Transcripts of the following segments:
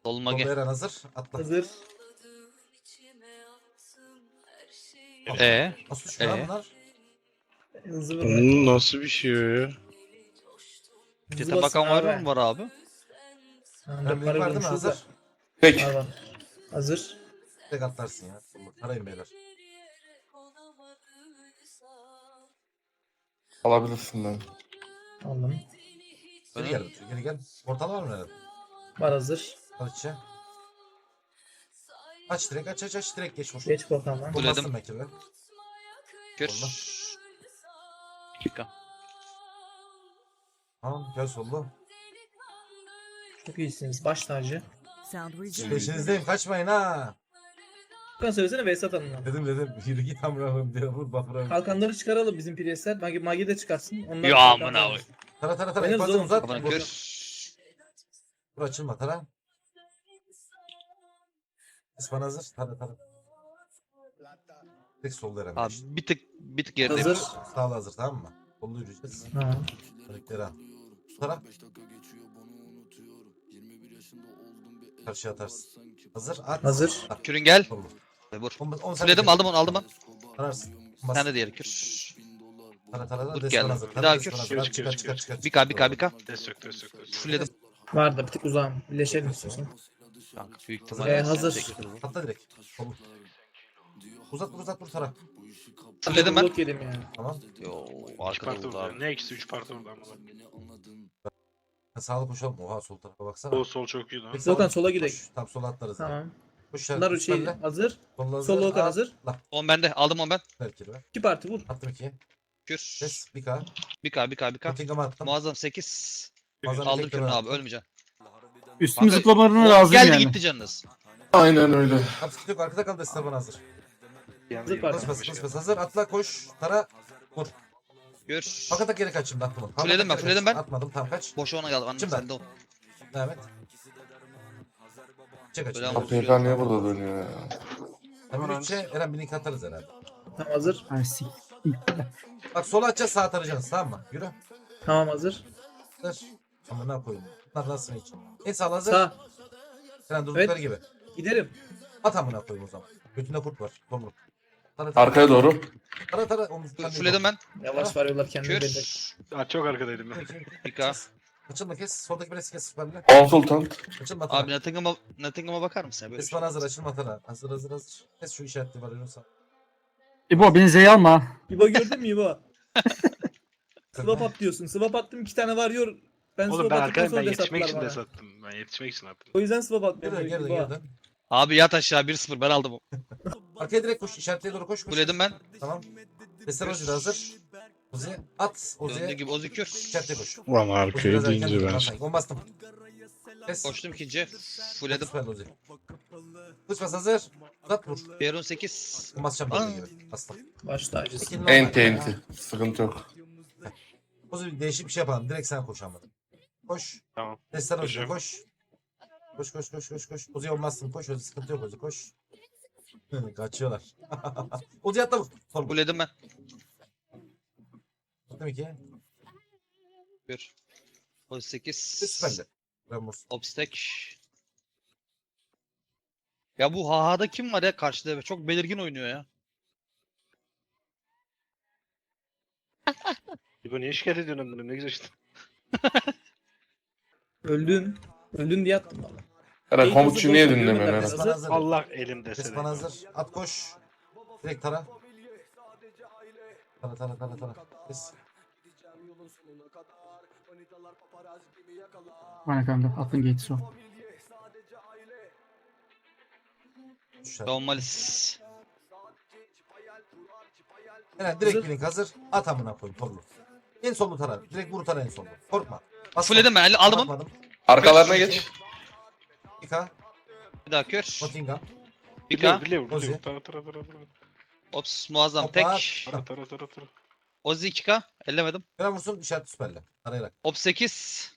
Solma Solda gel. Eren hazır. Atla. Hazır. Nasıl düşmüyor lan Ee? bunlar? Hızlı vurma. Nasıl bir şey o ya? Hızlı Cete basın bakan var abi. mı var abi? Tamam, Eren dört link para var değil mi? bulmuşuz da. Hazır. Peki. Var var. Hazır. Tek atlarsın ya. Arayın beyler. Alabilirsin ben. Aldım. Geri gel. Geri gel. Portal var mı Eren? Var hazır. Al içe. Aç direkt aç direkt geç vur. Geç bakalım. Buledim. Bulmazsın belki be. Kür. Solda. Dakika. Tamam gel sollu. Çok iyisiniz. Baş tacı. Sound resumed. Peşinizdeyim kaçmayın ha. Furkan söylesene Vesat Hanım'a. Dedim. Yürü git amrahım diye vur bafra. Kalkanları çıkaralım bizim Priestler. Magi de çıkarsın. Onlar Ya kalkan amına alır. koy. Tara. Oynarız Ekvazını oğlum. uzat. Kafana Vur. kür. Vur açılma tara. İspan hazır. Tara. Tek solda Eren. Abi bir tık geride. Hazır. Sağla hazır tamam mı? Sollu yürüyeceğiz. Tamam. Örnekleri al. Tara. Karşıya atarsın. Hazır. At. Hazır. At. Kürün gel. Sollu. Vur. 10 Fulledim aldım onu. Tararsın. Sen de diğeri kür. Tara. Vur Destan geldi. hazır. Bir Tara, daha destan kür. hazır. At, Kür, çıkar. Bika. Destek. Fulledim. Var da bir tık uzağım. Birleşelim istiyorsan. Kanka büyük Hazır. ihtimalle. Hazır. Atla direkt. Sollu. Uzat vur Tara. Fulledim ben. Blok yedim ya. Tamam. Yo 3 arkada parti oldu orada. abi. Ne eksi 3 parti orada ama. Sağlı koşalım. Oha sol tarafa baksana. O sol çok iyi lan. Peki, Volkan sağ- sola gidelim. koş. Tam sola atlarız. Tamam. Koş. Bunlar şey üstlerle. hazır. Sollu hazır. Sol Volkan At. hazır. La. 10 bende. Aldım 10 ben. Belki be. 2 parti vur. Attım 2. Kür. Ses. 1K. Bika. Nottingham'a attım. Muazzam 8. Muazzam Aldım efektleri kürünü abi attım. ölmeyeceksin. Üstümü Kanka, zıplamalarına o lazım geldi yani. gitti canınız. Aynen öyle. At sıkıntı yok. Arkada kal. Destan bana hazır. Hazır parti. Kıs hazır. Atla koş. Tara. Vur. Gör. Fakat geri kaç şimdi attım onu. Fulledim ben, fulledim ben. Atmadım tam kaç. Boşa ona geldi. Annem Şimdi ben. sende ol. Devam et. Çek Böyle açın. ama- APK niye burada dönüyor ya? Hemen 3'e Eren bir link atarız herhalde. Tamam hazır. Ay, sik. Bak sola atacağız sağa tarayacaksınız tamam mı? Yürü. Tamam hazır. Hazır. Ama ne koyayım? Bunlar nasıl için? En sağ hazır. Sağ. Eren durdukları gibi. Giderim. At amına koyayım o zaman. Götünde kurt var. Tomruk. Tara. Arkaya doğru. Tara. Omuzdan Fulledim ben. Yavaş varıyorlar kendini belli. Kür. Çok arkadaydım ben. Bika. Açılma kes. Soldaki birisi kes süperle. Konsultan. Açılma Tara. Abi Nottingham'a bakar mısın? Böyle Esman hazır. Açılma Tara. Hazır. Kes şu işaretli var Yunus'a. İbo beni Z'ye alma. İbo gördün mü İbo? Swap at diyorsun. Swap attım 2 tane varıyor. Ben Oğlum swap ben attıktan arkadayım, sonra ben yetişmek desattılar için bana. de sattım. Ben yetişmek için attım. O yüzden swap atmıyorum. Geri İbo. dön. Abi yat aşağı 1-0 ben aldım. Arkaya direkt koş. İşaretliye doğru koş. Fulledim ben. Tamam. Destan Ozi de hazır. Ozi at. Döndüğü Ozi'ye gibi Ozi kür. işaretliye koş. Ulan Ozi arkaya biraz erken deyince döndü, ben. sanki. On bastım. Kes. Koştum ikinciye. Fulledim. Süper Ozi. Kısmas hazır. Uzat vur. Peron 8. On basacağım Aa. böyle gibi. Bastım. Baş tacısı. İkinin normal. Enti. Sıkıntı yok. Ozi değişik bir şey yapalım. Direkt sen koş ama. Koş. Tamam. Destan Ozi'ye Koşuyorum. koş. Koş. Ozi olmazsın. Koş Ozi. Sıkıntı yok Ozi. Koş. Kaçıyorlar. Ozi atla vur. Sol vur. Fulledim ben. Attım 2. Kür. Ozi 8. Süperli. Ramos. Obstek. Ya bu Haha'da kim var ya karşıda? Çok belirgin oynuyor ya. İbo niye şikayet ediyorsun bunları? Ne güzel işte. Öldün. Öldün diye attım bana. Eren komutçu niye dinlemiyorsun Hazır. Eren? Esman hazır. Allah elimde seni. Esman hazır. At koş. Direkt tara. Tara. Kes. Bana kanka attın geç so. Düşer. Savunmalis. Eren direkt bir link hazır. At amına koyayım torlu. En sollu tara. Direkt vur tara en sollu. Korkma. Bas Fulledim ben. Aldım onu. Bakmadım. Arkalarına geç. 2K. Bir daha kür. Nottingham. Bika. Biliyor. Ozi. Tara. Ops muazzam Hoppa. tek. Tara. Ozi 2K. Ellemedim. Eren vursun işaret süperle. Arayarak. Ops 8.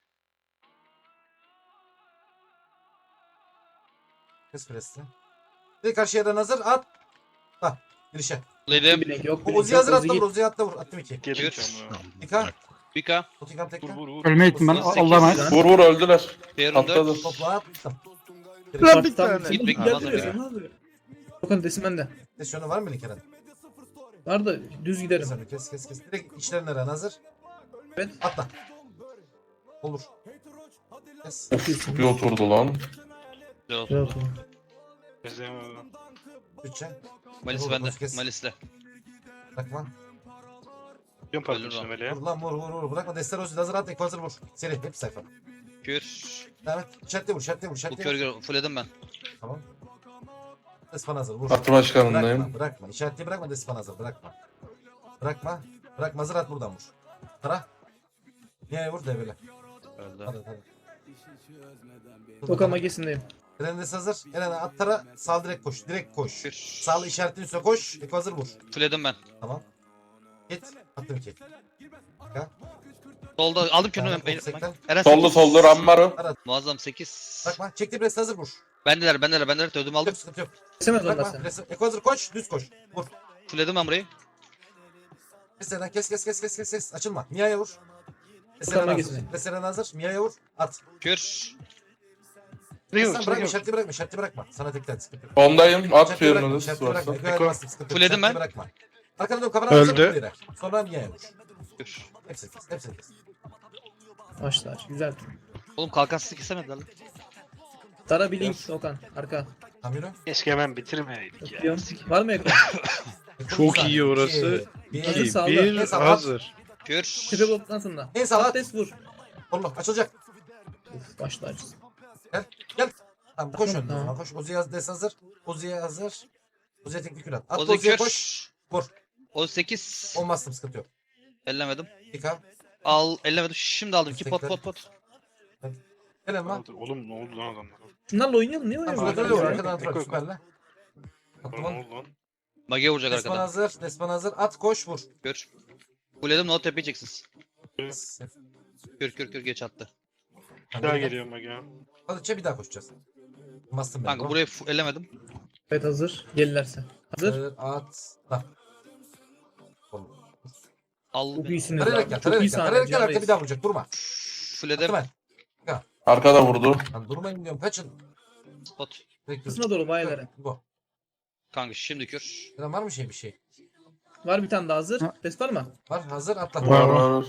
Kes presle. Direkt karşıya Eren hazır. At. Bak. Girişe. Fulledim. Bilek yok. O bilek Ozi'yi yok, hazır Ozi atla git. vur. Ozi'yi atla vur. Attım 2. Gelin Kür. canım. 2K. Bika. Otikam tekle. Vur vur vur. Ölmeye gittim ben. Sekiz. Allah'a emanet. Vur vur öldüler. Fear'ın Atladı. 4. Topla attım. Tamam, Git sen Big gel Mama duruyor, ya. sen ne yapıyorsun? Dokan desin bende. Desyonu var mı Kerem? Var da düz giderim. Sen kes. Direkt içlerine ren hazır. Evet. Atla. Olur. Kes. Of bir oturdu lan. Güzel oldu. Bütçe. Malis Vur, bende. vur, kes. Malis'le. Bırakma. Yapıyorum pardon Ölür şimdi o. Mele'ye. Vur lan vur. Bırakma. Desterosu hazır at. Hazır vur. Seri. Hep sayfa. Kür. Devam et. Şartlı vur. Bu kör gör. Fulledim ben. Tamam. Despan hazır vur. Parti başkanındayım. Bırakma. İşaretli bırakma. Despan hazır. Bırakma. Hazır at buradan vur. Tara. Niye vur devre. Öldü. Hadi. Dokan magesindeyim. Trendes hazır. Eren at tara. Sağ direkt koş. Kür. Sağlı işaretin üstüne koş. Eko hazır vur. Fulledim ben. Tamam. Git. Attım ki. Solda aldım kürünü. Tamam, Ben- sekten. Eren Sollu 8. sollu Rammaro. Muazzam 8. Bırakma. Çekti pres hazır vur. Bendeler. Ödüm aldım. Sıkıntı yok. Kesemez onlar Bırakma. seni. Pres. Eko hazır koş. Düz koş. Vur. Fulledim ben burayı. Mesela kes. Açılma. Mia'ya vur. Tutamaya Mesela geçsin. hazır. Mesela hazır. Mia'ya vur. At. Kür. Sen bırakma. Şartlı bırakma. Sana tekten sıkıntı yok. Ondayım. At Şartlı bırakma. Fear'ınız Şartlı bırakma. varsa. Eko'ya bastım. Sıkıntı yok. Fulledim Şartlı ben. Bırakma. Arkana dön. Kabara Öldü. hazır, ileri. Sonra Mia'ya vur. Kür. Hepsini kes. Başlar. Güzel. Oğlum kalkansız kesemediler lan. Tara bir link Dokan. Arka. Tam yürü. Keşke hemen bitirmeyeydik ya. Öpüyorum. Var mı ekran? Çok iyi orası. Hazır İyi. sağda. Bir En sağda. hazır. Kür. Tepe bloktan sonra. En sağ at. Patates vur. Allah açılacak. Uf, başlar. Gel. Tamam koş Tamam, önüne. tamam. Koş. Ozi'ye hazır. Ozi'ye teknik kül at. At Ozi Ozi'ye kür. koş. Vur. 18. Olmazsın sıkıntı yok. Ellemedim. Yıka. Ellemedim. Şimdi aldım ki pot. Gelen lan. Oğlum ne oldu lan adamlar? Şunlarla oynayalım. Niye Tamam oynayalım? şurada öyle Tamam. vur. Arkadan Eko, atrak eko. süperle. Attım Ne lan. oldu lan? Mage vuracak Despan arkadan. hazır. Despan hazır. At koş vur. Kür. Fulledim. No tepe yiyeceksiniz. Kür geç attı. Bir daha geliyorum bak ya. Hadi bir daha koşacağız. Bastım ben. Kanka burayı ellemedim. Evet hazır. Gelirlerse. Hazır. At. Bak. Al. Çok iyisiniz Tarayarak abi. gel. Çok iyi sahne. Tarayarak gel. Can Arka bir Reis. daha vuracak. Durma. Fulledim. Attım ben. Arkada vurdu. Lan durmayın diyorum. Kaçın. Spot. Direkt Kısma doğru bayilere. Bu. Kanka şimdi kür. Lan var mı bir şey? Var bir tane daha hazır. Ha. Test var mı? Var hazır atla. Var.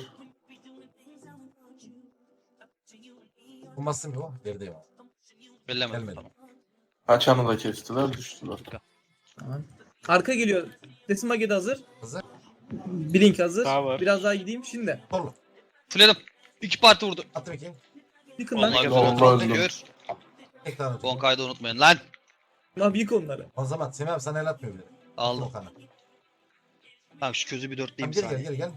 Bu bastım yok. Geride yok. Ellemedim. Gelmedi. Tamam. Haçanı da kestiler düştüler. Tamam. Arka geliyor. Desin Mage'de hazır. Hazır. Blink hazır. Daha var. Biraz daha gideyim şimdi. Torlu. Fulledim. 2 parti vurdu. Attım iki. Yıkın lan. Vallahi Vallahi güzel oldu. öldüm. Kür. Tek tane Son tuttum. kaydı unutmayın lan. Lan yık onları. O zaman Semih abi sana el atmıyor bile. Aldım. Okan'a. Tamam şu közü bir Tamam dörtleyeyim gel. sana.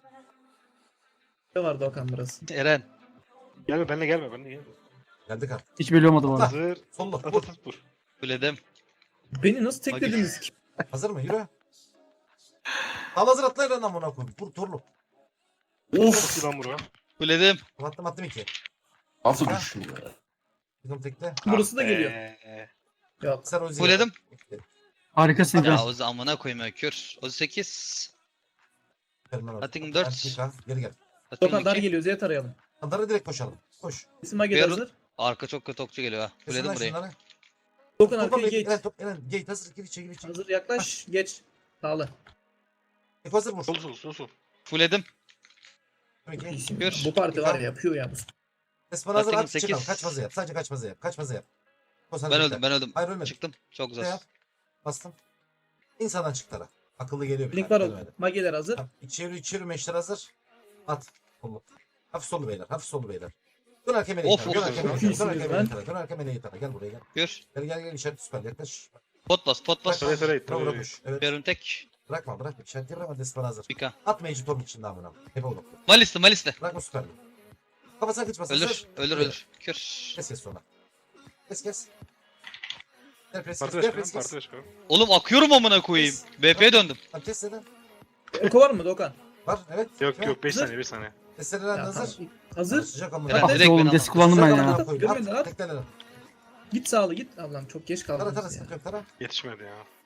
Ne vardı Okan burası? Eren. Gelme benimle gelme. Geldik abi. Hiç belli olmadı bu arada. Hazır. Sollu. At Vur. at at vur. Fulledim. Beni nasıl teklediniz ki? Hazır mı? Yürü. Al hazır atla lan amına koyayım. Vur torlu. Of. Çok lan bura. Fulledim. Attım iki. Nasıl düşüyor ya? Bizim tekte. Burası da geliyor. Be. Yok. Sen Ozi'ye. Fulledim. Harikasın Ya Can. Ozi amına koymuyor kür. Ozi 8. Atayım Atayım 4. Geri gel. Okan dar Atayım 2. geliyor. Z'ye tarayalım. Andara direkt koşalım. Koş. Desin Mage'de Yarın- hazır. Arka çok kötü okçu geliyor ha. Kesin Fulledim lan burayı. şunları. Okan Topa arkaya bekle. geç. Eren gate hazır. Gir içe. Hazır yaklaş. Geç. Sağlı. Eko hazır vur. Sol. Fulledim. Attım iki. İyisin. Gör. Bu parti var ya yapıyor ya. Espan hazır Atayım at. Çıkalım. sekiz. Kaçmazı yap. Sadece kaçmazı yap. Kaçmazı yap. Koş, hadi Ben bekle. öldüm. Hayır ölmedim. Çıktım. Çok Ne güzel. yap? Bastım. İnsandan çık tara. Akıllı geliyor. Blink var o. Gelmedi. Mage'ler hazır. Tamam, İçeri meşler hazır. At. Solu. Hafif solu beyler. Dön arka meleği Of, tara. Dön of, arka of. meleği Çok tara. iyisiniz Dön lan. arka meleği tara. Gel buraya gel. Kür. Gel işaret süper yaklaş. Pot bas. Söyle, söyle, Bravo söyle. koş. Evet. Yarın tek. Bırakma. İşaret bırakma. Despan hazır. Pika. At Mage Tom içinde amına. Hep oğlum. Malisli. Bırakma süper. Kafasına kıçmasın. Ölür. Kür. Kes sonra. Kes. Gel pres Parti kes. Gel başkanı. pres Parti kes. başkanı. Oğlum akıyorum amına koyayım. BP'ye döndüm. Tamam kes neden? Eko var mı Okan? Var evet. Yok 5 Hazır. saniye 5 saniye. Kesler Ya, hazır. tamam. Hazır. Sıcak amına. Eren Ah direkt be oğlum beni desk kullandım ben Sıcak ya. amına koyayım. Görmedin lan. At teklenelim. Git sağlı git. Allah'ım çok geç Tara kaldınız ya. sıkıntı yok tara. Yetişmedi ya.